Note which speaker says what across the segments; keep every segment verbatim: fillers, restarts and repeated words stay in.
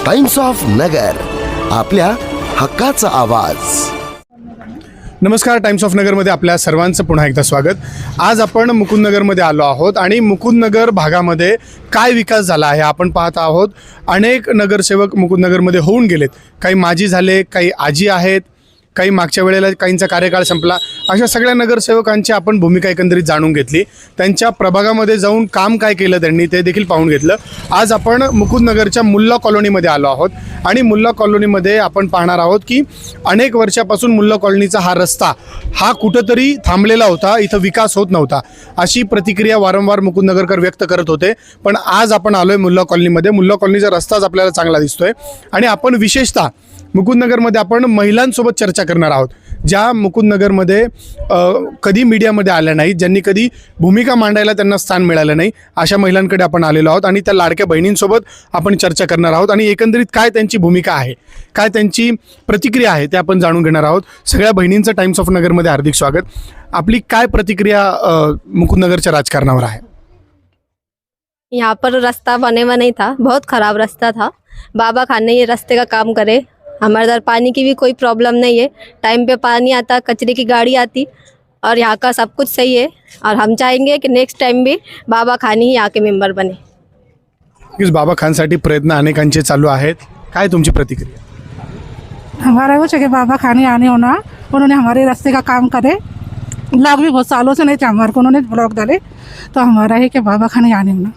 Speaker 1: Times of Nagar, आपल्या हक्काचा आवाज।
Speaker 2: नमस्कार, टाइम्स ऑफ नगरमध्ये आपल्या सर्वांचं पुन्हा एकदा स्वागत। आज आपण मुकुंदनगरमध्ये आलो आहोत आणि मुकुंदनगर भागामध्ये काय विकास झाला आहे आपण पाहत आहोत। अनेक नगरसेवक मुकुंदनगरमध्ये होऊन गेलेत, काही माजी झाले, काही आजी आहेत, काही मागच्या वेळेला काहींचा कार्यकाळ संपला। अशा सगळ्या नगरसेवकांची आपण भूमिका एकंदरीत जाणून घेतली, त्यांच्या प्रभागामध्ये जाऊन काम काय केलं त्यांनी ते देखील पाहून घेतलं। आज आपण मुकुंदनगरच्या मुल्ला कॉलनीमध्ये आलो आहोत आणि मुल्ला कॉलनीमध्ये आपण पाहणार आहोत की अनेक वर्षापासून मुल्ला कॉलनीचा हा रस्ता हा कुठंतरी थांबलेला होता, इथं विकास होत नव्हता, अशी प्रतिक्रिया वारंवार मुकुंदनगरकर व्यक्त करत होते। पण आज आपण आलोय मुल्ला कॉलनीमध्ये, मुल्ला कॉलनीचा रस्ताच आपल्याला चांगला दिसतोय आणि आपण विशेषतः मुकुंदनगरमध्ये आपण महिलांसोबत चर्चा करणार आहोत, ज्या मुकुंदनगरमध्ये कधी मीडियामध्ये आल्या नाहीत, ज्यांनी कधी भूमिका मांडायला त्यांना स्थान मिळालं नाही, अशा महिलांकडे आपण आलेलो आहोत आणि त्या लाडक्या बहिणींसोबत आपण चर्चा करणार आहोत आणि एकंदरीत काय त्यांची भूमिका आहे, काय त्यांची प्रतिक्रिया आहे ते आपण जाणून घेणार आहोत। सगळ्या बहिणींचं टाइम्स ऑफ नगरमध्ये हार्दिक स्वागत। आपली काय प्रतिक्रिया मुकुंदनगरच्या राजकारणावर आहे?
Speaker 3: यहाँ पर रास्ता बने हुआ नहीं था, बहुत ख़राब रास्ता था। बाबा खान ने ये रास्ते का काम करे। हमारे इधर पानी की भी कोई प्रॉब्लम नहीं है, टाइम पे पानी आता, कचरे की गाड़ी आती और यहाँ का सब कुछ सही है। और हम चाहेंगे कि नेक्स्ट टाइम भी बाबा खान ही यहाँ के मेंबर बने।
Speaker 2: इस बाबा खानसाठी प्रयत्न अनेकांचे चालू आहेत, काय तुमची प्रतिक्रिया?
Speaker 4: हमारा वो चाहिए बाबा खान आने होना, उन्होंने हमारे रास्ते का काम करे। ब्लॉक भी बहुत सालों से नहीं थे हमारे को, उन्होंने ब्लॉक डाले, तो हमारा है कि बाबा खान आने होना।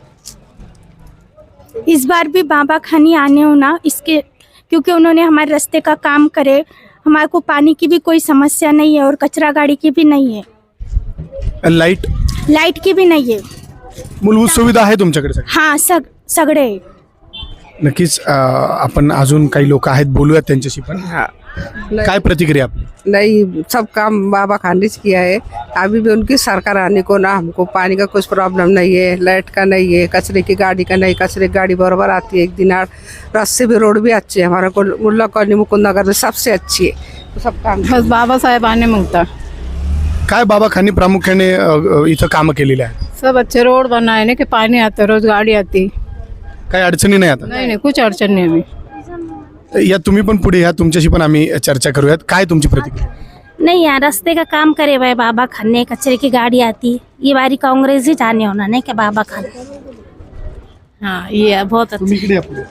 Speaker 5: इस बार भी बाबा खानी आने होना, इसके क्योंकि उन्होंने हमारे रास्ते का काम करे। हमारे को पानी की भी कोई समस्या नहीं है और कचरा गाड़ी की भी नहीं है,
Speaker 2: लाईट
Speaker 5: लाइट की भी नहीं है।
Speaker 2: मूलभूत सुविधा आहे तुमच्याकडे सगळ्या?
Speaker 5: हाँ सग सगळे।
Speaker 2: नक्कीच आपण अजून काही लोक आहेत, बोलूयात त्यांच्याशी पण।
Speaker 6: हाँ,
Speaker 2: काय प्रतिक्रिया आपली?
Speaker 6: नहीं, सब काम बाबा खान ने किया है। अभी भी उनकी सरकार आने को ना, हमको पानी का कुछ प्रॉब्लम नहीं है, लाइट का नहीं है, कचरे की गाड़ी का नहीं, कचरे की गाड़ी बराबर आती है एक दिन। आठ रास्ते भी, रोड भी अच्छे है, हमारा को मुल्ला कॉलोनी मुकुंदनगर में सबसे अच्छी है। तो सब काम
Speaker 4: बस बाबा साहेब आने मांगता,
Speaker 2: काय बाबा खानी प्रामुख्याने अ, अ, इथं कामं केलेली आहेत?
Speaker 4: सब अच्छे रोड बनाए ना कि पानी आता, रोज गाड़ी आती,
Speaker 2: काही अडचणी नाही आता?
Speaker 4: नहीं नहीं कुछ अड़चन नहीं हमें।
Speaker 2: या तुम्ही पण पुढे या, तुमच्याशी पण आम्ही चर्चा करूयात। काय तुमची प्रतिक्रिया?
Speaker 5: नहीं, यहाँ रास्ते का काम करे भाई बाबा खान ने, कचरे की गाड़ी आती। ये बारी कांग्रेस ही जाने होना नहीं कि बाबा खान।
Speaker 7: हाँ, ये बहुत
Speaker 2: तुम्ही
Speaker 7: अच्छे,
Speaker 2: इकडे या पुढे।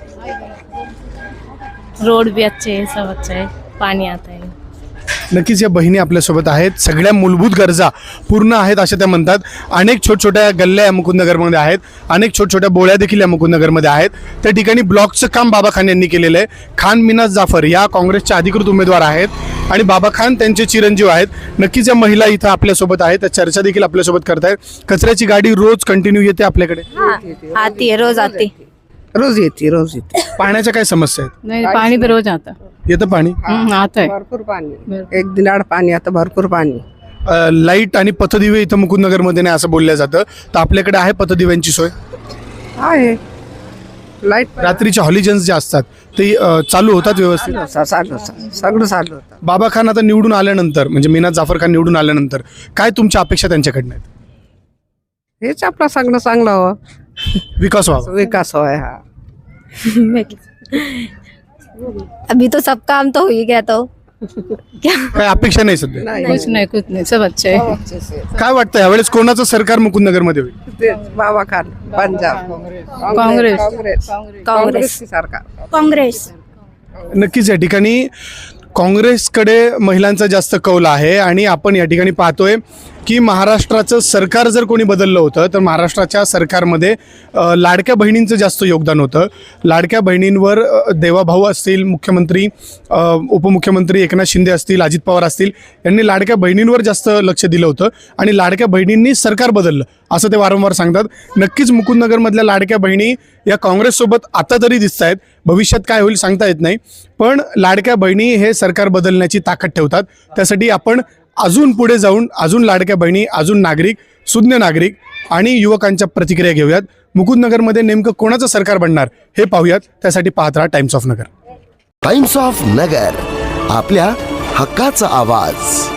Speaker 7: रोड भी अच्छे है, सब अच्छा है, पानी आता है।
Speaker 2: नक्कीच या बहिणी आपल्यासोबत आहेत, सगळ्या मूलभूत गरजा पूर्ण आहेत अशा त्या म्हणतात। अनेक छोट छोट्या गल्ल्या या मुकुंदनगरमध्ये आहेत, अनेक छोट छोट्या बोळ्या देखील या मुकुंदनगरमध्ये आहेत। त्या ठिकाणी ब्लॉकचं काम बाबा खान यांनी केलेलं आहे। खान मिनाज जाफर या काँग्रेसच्या अधिकृत उमेदवार आहेत आणि बाबा खान त्यांचे चिरंजीव आहेत। नक्कीच या महिला इथं आपल्यासोबत आहेत, त्या चर्चा देखील आपल्यासोबत करतायत। कचऱ्याची गाडी रोज कंटिन्यू येते आपल्याकडे?
Speaker 3: आती है, रोज आती।
Speaker 6: रोज येते, रोज येते।
Speaker 2: पाण्याच्या काय समस्या आहेत?
Speaker 4: नहीं पानी भी रोज आता,
Speaker 2: येतं पाणी?
Speaker 4: हम्म, आता है।
Speaker 6: भरपूर पानी, एक दिन आड़ पानी आता, भरपूर पानी।
Speaker 2: अ, लाईट आणि पथदिवे इथं मुकुंदनगरमध्ये नाही असं बोललं जातं, तर आपल्याकडे आहे पथदिव्यांची सोय?
Speaker 6: आहे, लाईट
Speaker 2: रात्रीच्या हॉलिजन्स जे असतात ते अ, चालू होतात व्यवस्थित?
Speaker 6: चालू सगळं चालू होतं।
Speaker 2: बाबा खान आता निवडून आल्यानंतर, म्हणजे मिनाज जाफर खान निवडून आल्यानंतर काय तुमच्या अपेक्षा त्यांच्याकडनं आहेत?
Speaker 6: हेच आपला सगळं चांगलं हो,
Speaker 2: विकास व्हावा?
Speaker 6: विकास होय। हा,
Speaker 3: अभी तो सब काम तो हो ही गया, तो क्या
Speaker 2: काय अपेक्षा नाही सध्या?
Speaker 4: कुछ नहीं कुछ नहीं, सब अच्छे है।
Speaker 2: काय वाटतं यावेळेस कोणाचं सरकार मुकुंदनगरमध्ये होईल?
Speaker 6: ते बाबा खान, पंजाब
Speaker 4: काँग्रेस।
Speaker 6: काँग्रेस काँग्रेस की सरकार।
Speaker 5: कांग्रेस।
Speaker 2: नक्कीच या ठिकाणी काँग्रेसकडे महिलांचा जास्त कौल आहे आणि आपण या ठिकाणी पाहतोय की महाराष्ट्राचं सरकार जर कोणी बदललं होतं तर महाराष्ट्राच्या सरकारमध्ये अ, लाडक्या बहिणींचं जास्त योगदान होतं। लाडक्या बहिणींवर अ, देवाभाऊ असतील, मुख्यमंत्री अ, उपमुख्यमंत्री एकनाथ शिंदे असतील, अजित पवार असतील, यांनी लाडक्या बहिणींवर जास्त लक्ष दिलं होतं आणि लाडक्या बहिणींनी सरकार बदललं असं ते वारंवार सांगतात। नक्कीच मुकुंदनगरमधल्या लाडक्या बहिणी या काँग्रेससोबत आता तरी दिसत आहेत, भविष्यात काय होईल सांगता येत नाही, पण लाडक्या बहिणी हे सरकार बदलण्याची ताकद ठेवतात। त्यासाठी आपण अजून पुढे जाऊन अजून लाडक्या बहिणी, अजून नागरिक, सुज्ञ नागरिक आणि युवकांच्या प्रतिक्रिया घेऊयात। मुकुंदनगरमध्ये नेमकं कोणाचं सरकार बनणार हे पाहूयात, त्यासाठी पाहत राहा Times of Nagar.
Speaker 1: Times of Nagar, आपल्या हक्काचा आवाज।